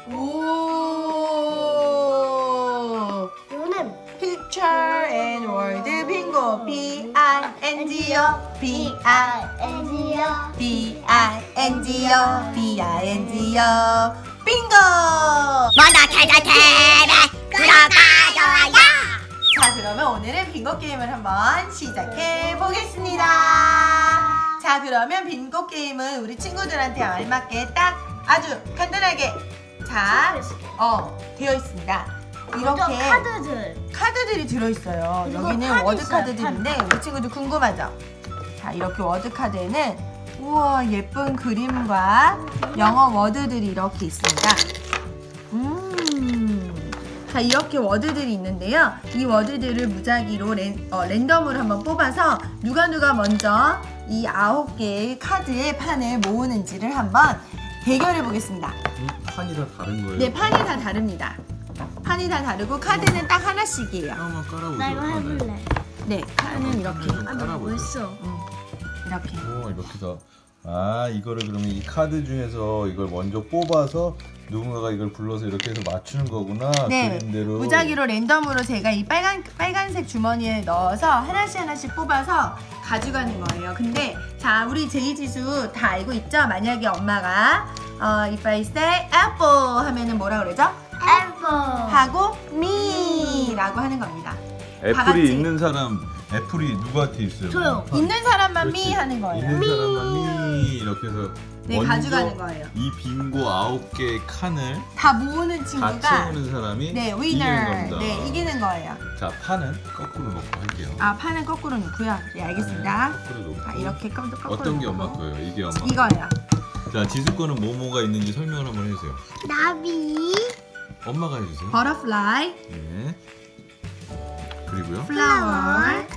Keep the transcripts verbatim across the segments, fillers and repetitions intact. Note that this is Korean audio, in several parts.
오. 이거는 Picture and Word 빙고. B I N G O. B I N G O. B I N G O. B I N G O. 빙고. 먼저 찾아테레 구독하줘요. 자, 그러면 오늘은 빙고 게임을 한번 시작해 보겠습니다. 자, 그러면 빙고 게임은 우리 친구들한테 알맞게 딱 아주 간단하게 자, 어, 되어 있습니다. 먼저 이렇게 카드들. 카드들이 들어있어요. 그리고 여기는 판이 워드 있어요, 카드들인데 우리 친구들 궁금하죠? 자, 이렇게 워드 카드에는 우와 예쁜 그림과 영어 워드들이 이렇게 있습니다. 음, 자, 이렇게 워드들이 있는데요. 이 워드들을 무작위로 랜, 어, 랜덤으로 한번 뽑아서 누가 누가 먼저 이 아홉 개의 카드의 판을 모으는지를 한번 대결해 보겠습니다. 음, 판이 다 다른 거예요? 네, 판이 다 다릅니다. 판이 다 다르고 카드는 딱 하나씩이에요. 하나만 깔아보세요. 나 이거 해볼래. 네, 카드는 이렇게. 좀 아, 나 깔아보세요. 벌써. 음, 이렇게. 오, 이렇게 다. 아, 이거를 그러면 이 카드 중에서 이걸 먼저 뽑아서 누군가가 이걸 불러서 이렇게 해서 맞추는 거구나. 네, 그림대로. 무작위로 랜덤으로 제가 이 빨간 빨간색 주머니에 넣어서 하나씩 하나씩 뽑아서 가져가는 거예요. 근데 자, 우리 제이지수 다 알고 있죠? 만약에 엄마가 어, if I say apple 하면은 뭐라 그러죠? 애플. 하고 me라고 하는 겁니다. 다 같이. 애플이 있는 사람, 애플이 누구한테 있어요? 저요. 있는 사람만 그렇지. me 하는 거예요. 있는 사람만 미 이렇게 해서 네, 먼저 가져가는 거예요. 이 빙고 아홉 개의 칸을 다 모으는 다 친구가 채우는 사람이 네, 이기는 winner. 겁니다. 네, 이기는 거예요. 자, 판은 거꾸로 놓고 할게요. 아, 판은 거꾸로 놓고요. 네, 알겠습니다. 네, 거꾸로 놓고. 자, 이렇게 거꾸로 거꾸로 어떤 게 놓고. 엄마 거예요? 이게 엄마. 이거예요. 자, 지수 거는 뭐뭐가 있는지 설명을 한번 해주세요. 나비. 엄마가 해주세요. butterfly, 네. 그리고요. flower,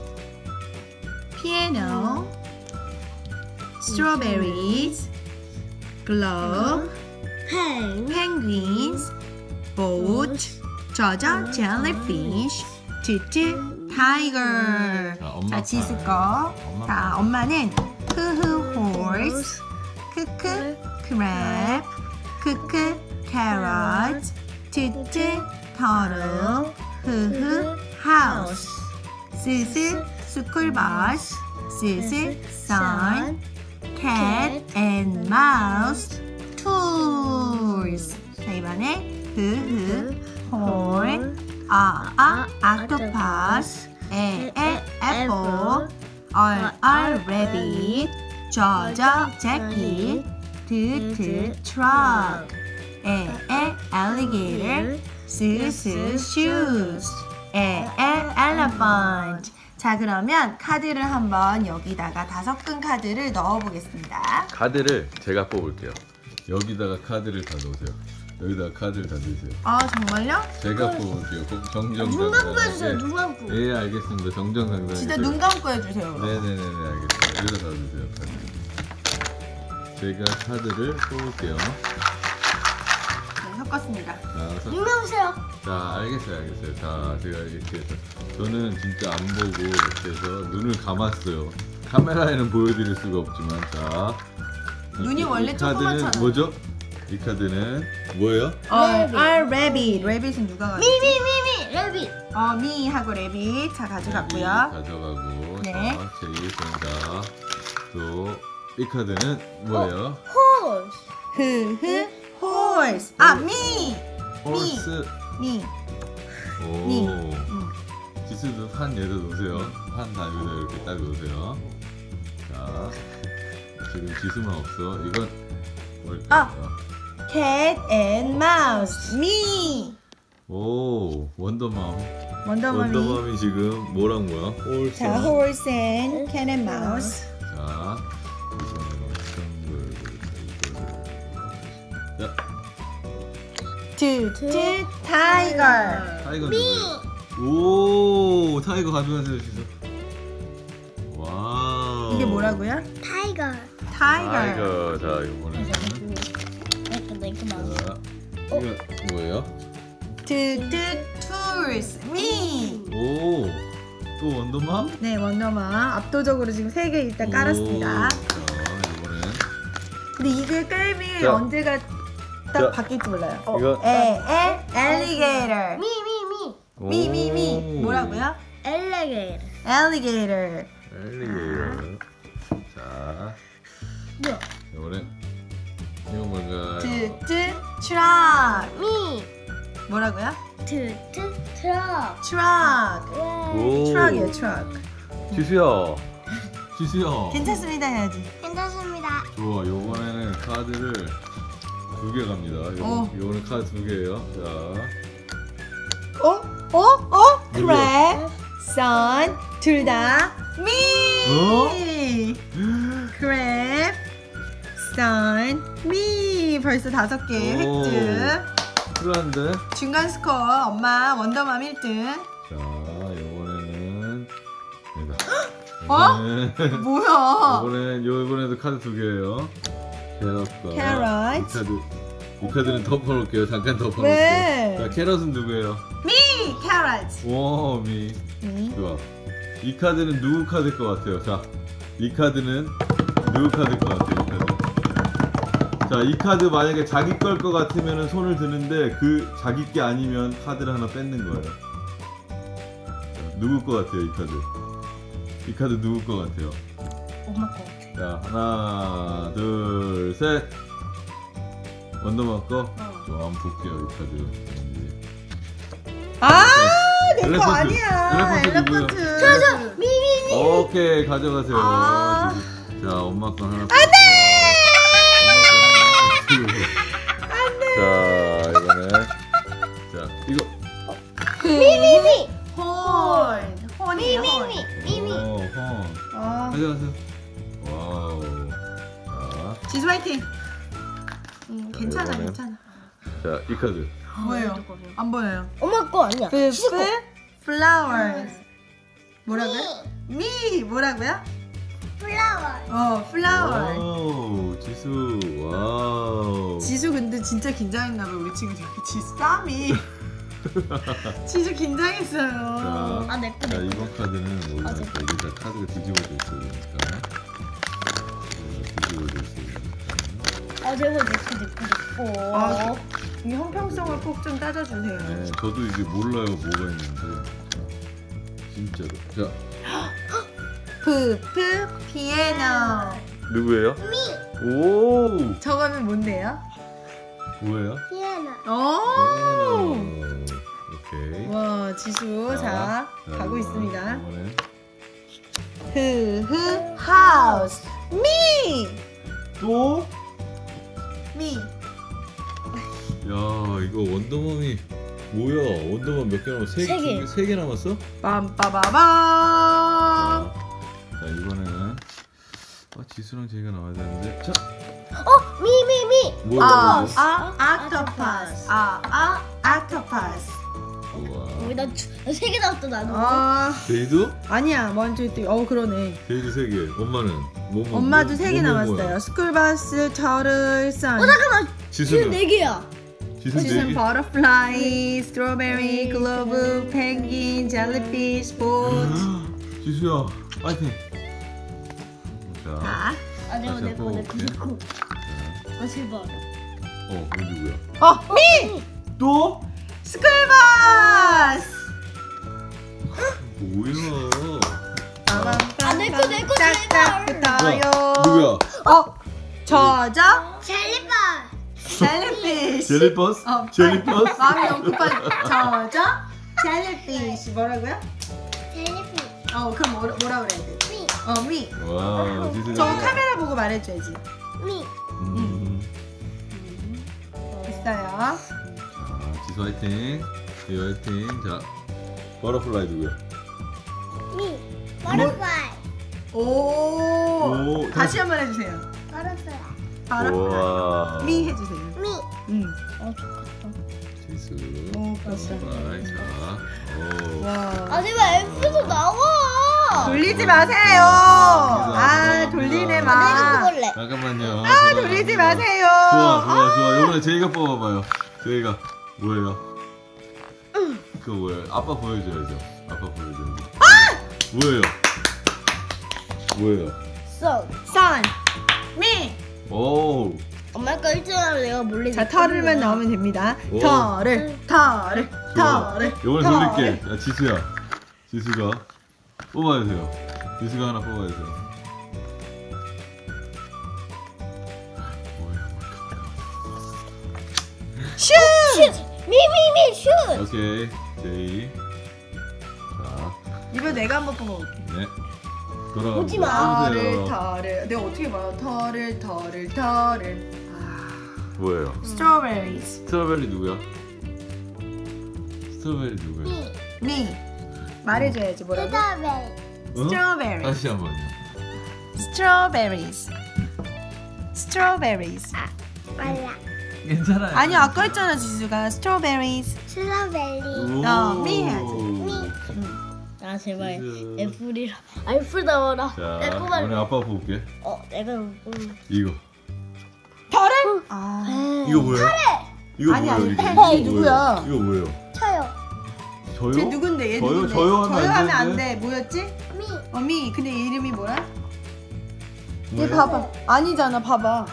piano, strawberries, globe, 팽. penguins, boat, 저저, jellyfish, tutu, tiger. 자, 엄마 자, 지수 거. 거. 엄마 자, 거. 엄마는 흐흐 horse, 크크 crab, 크크 carrot, tutu turtle, 흐흐 house, 스스 school bus, 스스 sun, cat and mouse, tools. 자, 이번에 흐흐 horn, 아, 아, octopus, 에, 에, apple, 얼, 얼, rabbit, 저, 저, jacket, 트, 트, truck, 에, 에, alligator, 스, 스, shoes, 에, 에, elephant. 자, 그러면 카드를 한번 여기다가 다섯 끈 카드를 넣어 보겠습니다. 카드를 제가 뽑을게요. 여기다가 카드를 다 넣으세요. 여기다가 카드를 다 넣으세요. 아, 정말요? 제가 뽑을게요. 정정당당하게. 눈 감고 해주세요. 눈 감고. 예, 알겠습니다. 정정당당하게. 진짜 눈 감고 해주세요. 그럼. 네네네네, 알겠습니다. 여기다 다 넣으세요. 카드. 제가 카드를 뽑을게요. 네, 섞었습니다. 자, 서- 눈 감으세요. 자, 알겠어요, 알겠어요. 자, 제가 이렇게 해서 저는 진짜 안 보고 이렇게 해서 눈을 감았어요. 카메라에는 보여드릴 수가 없지만, 자, 이- 눈이 이 원래 카드는 조그맣잖아요. 뭐죠? 이 카드는 뭐예요? 얼, 얼, rabbit. rabbit은 누가 가졌지? 미미미미. 레빗. 어, 미 하고 rabbit. 자, 가져갔고요. 가져가고. 네. 자, 제이입니다. 또 이 카드는 뭐예요? 호스. 흐흐 horse. 아, 미. 홀스. 미. 오. 미. 음. 지수도 판 얘도 놓으세요. 판 다 여기다 이렇게 딱 놓으세요. 자, 지금 지수만 없어. 이건 뭘까요? 아. cat and mouse. 미. 오, 원더맘. 원더머미. 원더맘이 지금 뭐랑 뭐야? 홀스. 자, horse and cat and mouse. 자, 이거는 어떤 걸 이거를. 자, two, two, tiger. 타이거 누구예요? 오, 타이거 가져가세요, 지수. 와우. 이게 뭐라고요? 타이거. tiger. 타이거. 자, 이거는. 내거 내거 봐. 자, 이거 뭐예요? two, two, tools. 미. 오, 또 원더맘? 네, 원더마 압도적으로 지금 세 개 일단 깔았습니다. 오, 자, 이번엔 근데 이게 깔면 자. 언제가 딱 자, 바뀔지 몰라요. 이거 에, 에, alligator. 미, 미, 미. 미, 미, 미. 뭐라고요? 엘리게이터. alligator. 엘리게이터. 자, 뭐야? 이번엔 이거 뭔가요? 트, 트, truck. 미. 뭐라고요? 트, 트, 트럭. truck. 와. 오. truck이에요, truck. 지수야, 지수야. 괜찮습니다 해야지. 괜찮습니다. 좋아, 요번에는 카드를 두 개 갑니다. 요, 어. 요거는 카드 두 개예요. 자, 어? 어? 어? 누구야? crab, sun, 둘 다 미. 어? crab, sun, 미. 벌써 다섯 개 오. 획득. 필요한데. 중간 스코어 엄마 원더맘 일 등. 자, 요번에는 내가. 어? 이번엔- 뭐야? 이번엔 요 이번에도 카드 두 개예요. 캐럿과 캐럿. 이 카드. 이 카드는 덮어놓을게요. 잠깐 덮어놓을게요. 왜? 자, 캐럿은 누구예요? 미. carrot. 오, 미. 미. 좋아. 이 카드는 누구 카드일 것 같아요? 자, 이 카드는 누구 카드일 것 같아요? 이 카드. 자, 이 카드 만약에 자기 걸 것 같으면 손을 드는데 그 자기 게 아니면 카드를 하나 뺏는 거예요. 자, 누구 것 같아요? 이 카드. 이 카드 누구 것 같아요? 엄마 거 같아. 자, 하나, 둘, 셋. 원더만 거? 어. 저 한번 볼게요, 이 카드. 아, 내 거 엘레펀트. 아니야. 엘레펀트 누구예요? 엘레펀트. 저저 미, 미, 미. 오케이, 가져가세요. 아. 자, 엄마 거 하나. 안돼. 자, 이거는 자, 이거 미, 미, 미. 혼. 혼이에요. 미, 혼. 미, 미, 미. 오, 어. 아, 가져가세요. 와우. 자, 지수 화이팅. 음, 자, 괜찮아, 이번엔. 괜찮아. 자, 이 카드. 뭐예요? 안 보여요. 엄마 거 아니야. 푸푸 시수 거. flowers. 뭐라고요? 미 뭐라고요? 플라워. 어, flower. 와우, 지수. 와우. 지수 근데 진짜 긴장했나봐 우리 친구들. 지수 쌈이. 지수 긴장했어요. 자, 아, 내 거, 자, 내 거. 이번 카드는 아, 뭐냐면 내 이게 다 카드가 뒤집어져 있어요, 그러니까. 네, 뒤집어져 있어요. 아, 내가 내 거, 내 거, 내 거. 아, 이 형평성을 꼭 좀 따져주세요. 네, 저도 이게 몰라요, 뭐가 있는데. 자, 진짜로. 자, 푸푸 피아노. 누구예요? 미. 오, 저거는 뭔데요? 뭐예요? 피아노. 오. 음, 오케이. 와 지수 자 가고 있습니다. 이번엔 흐흐 하우스 미. 또? 미. 야, 이거 원더맘이 뭐야? 원더맘 몇 개 남았어? 세, 세 개. 세 개 남았어? 빰빠바밤. 자, 자, 이번에는 아, 지수랑 제이가 나와야 되는데. 자, 어, 미, 미, 미. 뭐야? 아, 이거? 아, octopus. 아, 아, octopus. 우와. 왜 나세개 나왔다 나는. 아, 제이도? 아니야. 먼저 또, 어, 그러네. 제이도 세 개. 엄마는 뭐 뭐? 엄마도 뭐, 세 개 뭐, 뭐, 남았어요. 뭐야? 스쿨버스, 터틀, 선. 어, 잠깐만. 지금 지수는 네 개야. 지수 네 지금 개. 버터플라이, 스트로베리, 글로브, 펭귄, 젤리피쉬, 보트. 지수야, 파이팅. 자, 자, 아, 내가 다시 내 거, 한번 내 거, 내 거. 자, 아, 제발. 어, 그 누구야? 어, 미! 또? 스쿨버스! 뭐야? 아, 내 거, 내 거, 짝짝 제발. 붙어요. 누구야? 어, 저저 젤리바. 젤리피쉬. 젤리버스? 어, 젤리버스? 마음이 너무 급한 저저 젤리피쉬 뭐라고요? 젤리피. 어, 그럼 뭐라, 뭐라 그래야 돼? 미. 어, 미. 와, 지수. 저 카메라 보고 말해줘야지. 미. 음. 됐어요. 자, 지수 화이팅. 지수 화이팅. 자, 버터플라이 누구야? 미. 버터플라이. 오. 오, 다시 한 번 해주세요. 버터플라이. 바로 우와. 미 해주세요. 미. 음. 어, 좋겠다. 지수. 오, 벌써. 버터플라이. 자, 오. 와. 아, 제발 F에서 나와. 돌리지 마세요. 아, 돌리네 아, 내가 마. 그걸래. 잠깐만요. 아, 돌리지 마세요. 좋아, 좋아, 좋아. 이번에 제이가 뽑아봐요. 제이가 뭐예요? 그거 뭐예요? 아빠 보여줘야죠. 아빠 보여줘야죠. 뭐예요? 뭐예요? So. Sun. 미. 오, 엄마 거 일주일에 내가 몰래. 자, 털을만 넣으면 됩니다. 오. 털을, 털을, 털을. 이번에 털을. 돌릴게. 야, 지수야. 지수가 뽑아주세요. 지수가 하나 뽑아주세요. 뭐야? 슛! 미미미 슛. 오케이. 제이. 자, 이번 내가 한번 뽑아볼게. 네. 돌아가. 오지 마. 털을, 털을. 내가 어떻게 말해? 털을, 털을, 털을. 뭐예요? 스트로베리스. 스트로베리 누구야? 스트로베리 누구야? 미. 말해줘야지 뭐라고? 스트로베리. 어? 스트로베리. 다시 한번요. 스트로베리스. 스트로베리스. 빨라. 괜찮아요. 아니 아까 했잖아 지수가 스트로베리스. 스트로베리. 어, 미 해야지. 아 제발 지수. 애플이라. 아 애플 나와라. 자, 내 꼬마. 오늘 아빠 볼게. 어 내가 음. 이거. 털을? 아. 이거 뭐예요? 이거 아니, 뭐예요? 아니, 이거? 팬. 이거 쟤 누구야? 뭐예요? 이거 뭐예요? 쳐요. 저요? 쟤 누군데? 얘 저요? 누군데? 저요 하면 안 하면 안 되는데? 돼. 뭐였지? 미. 어, 미. 근데 얘 이름이 뭐야? 얘 뭐예요? 봐봐. 아니잖아. 봐봐.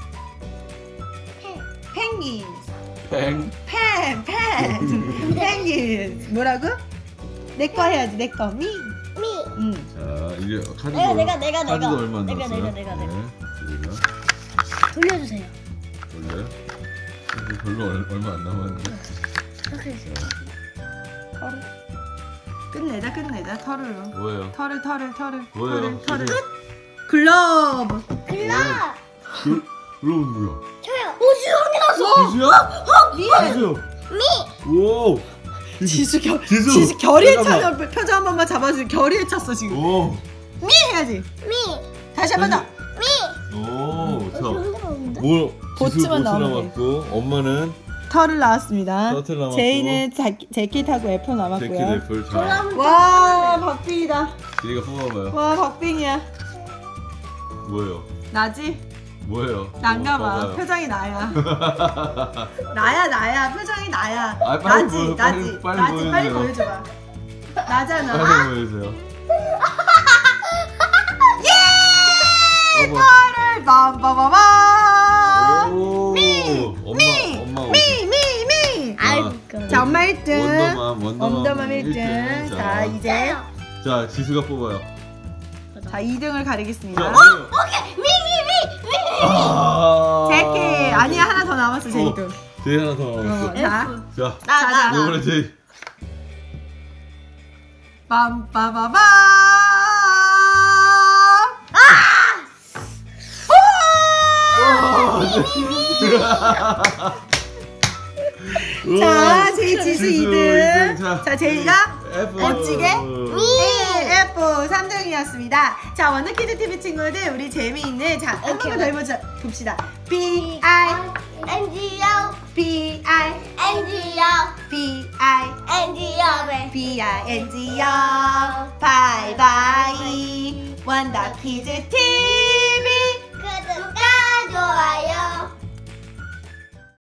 펜. 펭귄. 팽. 펜. 펜. 펭귄. 뭐라고? 내 거 해야지. 내 거. 미. 미. 응. 자, 이제 카드 내가, 내가, 내가, 카드도 내가. 얼마 안 내가, 남았어요? 내가, 내가, 내가. 네, 우리가 돌려주세요. 원래 별로 얼, 얼마 안 남았는데. 이렇게 해주세요. 털을. 끝내자. 끝내자. 털을. 뭐예요? 털을 털을 털을 뭐예요? 털을 털을. 글러브. 글라. 그, 그럼 누구야? 쳐요. 오 지성이 났어. 지수야? 미. 지수. 미. 오. 지수 겨 지수. 지수 결의에 잠깐만. 차서 표정 한 번만 잡아주세요. 결의에 찼어 지금. 오. 미 해야지. 미. 다시 한 번 더. 미. 오. 자, 흔들었는데? 뭐 지수 보츠만 보츠 나오면 남았고, 엄마는 털을 나왔습니다. 셔틀 남았고, 제이는 자, 재킷하고 애플 제키 남았고요. 래플. 자, 와 박빙이다. 지리가 뽑아봐요. 와 박빙이야. 뭐예요? 나지? 뭐예요? 난가 봐. 봐봐요. 표정이 나야. 나야 나야. 표정이 나야. 아, 빨리 나지 보여, 나지 빨리, 빨리 나지 빨리 보여주세요. 보여줘봐. 나잖아. 빨리 보여주세요. 예! 어머. 털을 밤밤밤밤. 오. 미! 엄마, 미! 엄마. 미! 미! 미! 아이고. 자 엄마 일 등. 원더맘, 원더맘, 원더맘 일 등. 일 등. 자 자, 이제 자, 지수가 뽑아요. 자 이 등을 가리겠습니다. 자, 오케이. 미. 미. 미. 미. 아. 제키 아니야 하나 더 남았어 제이 등. 제이 하나 더 남았어. 어, 자 자, 나 나. 이번에 제이. 빰빠바밤. 자 제이 지수 지수 이 등. 이 등. 자, 자 제이가 F. 멋지게 F 삼 등이었습니다. 자 원더키즈 티비 친구들 우리 재미있는 자 한 번만 더 해보자 봅시다. B I N G O. B I N G O. B I N G O. B I N G 요 바이바이 원더키즈 티비